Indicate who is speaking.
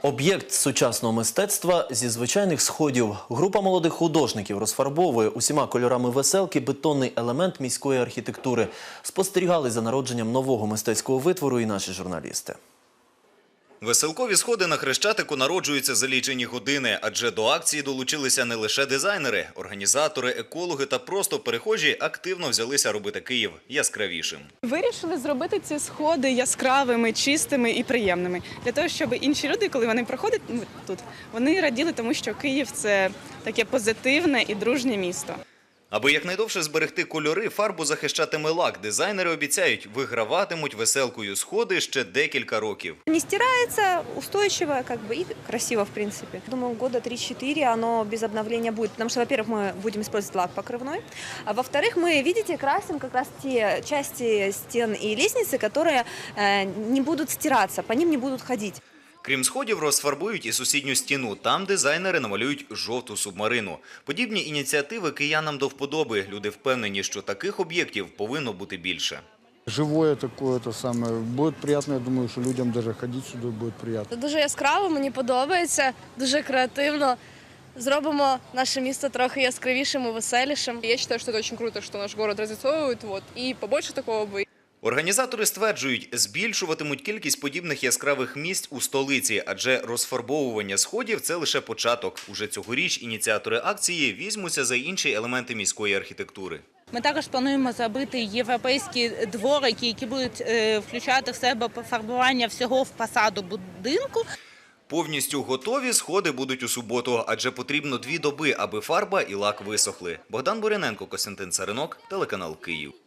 Speaker 1: Об'єкт сучасного мистецтва зі звичайних сходів. Група молодих художників розфарбовує усіма кольорами веселки бетонний елемент міської архітектури. Спостерігали за народженням нового мистецького витвору і наші журналісти.
Speaker 2: Веселкові сходи на Хрещатику народжуються за лічені години, адже до акції долучилися не лише дизайнери, організатори, екологи та просто перехожі активно взялися робити Київ яскравішим.
Speaker 3: Вирішили зробити ці сходи яскравими, чистими і приємними. Для того, щоб інші люди, коли вони проходять тут, вони раділи тому, що Київ – це таке позитивне і дружнє місто.
Speaker 2: Аби якнайдовше зберегти кольори, фарбу захищатиме лак. Дизайнери обіцяють, виграватимуть веселкою сходи ще декілька років.
Speaker 4: Не стирается, устойчиво и красиво, в принципе. Думаю, года 3-4 оно без обновления будет, потому что, во-первых, мы будем использовать лак покрывной, а во-вторых, мы, видите, красим как раз те части стен и лестницы, которые не будут стираться, по ним не будут ходить.
Speaker 2: Крім сходів, розфарбують і сусідню стіну. Там дизайнери намалюють жовту субмарину. Подібні ініціативи киянам до вподоби. Люди впевнені, що таких об'єктів повинно бути більше.
Speaker 5: Живое такое, то самое. Будет приятно, я думаю, что людям даже ходить сюда будет приятно.
Speaker 6: Дуже яскраво, мені подобається, дуже креативно. Зробимо наше місто трохи яскравішим і веселішим.
Speaker 7: Я считаю, что это очень круто, что наш город разрисовывают, и побольше такого бы.
Speaker 2: Організатори стверджують, збільшуватимуть кількість подібних яскравих місць у столиці, адже розфарбовування сходів – це лише початок. Уже цьогоріч ініціатори акції візьмуться за інші елементи міської архітектури.
Speaker 8: Ми також плануємо зробити європейські дворики, які будуть включати в себе пофарбування всього фасаду будинку.
Speaker 2: Повністю готові сходи будуть у суботу, адже потрібно 2 доби, аби фарба і лак висохли. Богдан Буряненко, Костянтин Царинок, телеканал «Київ».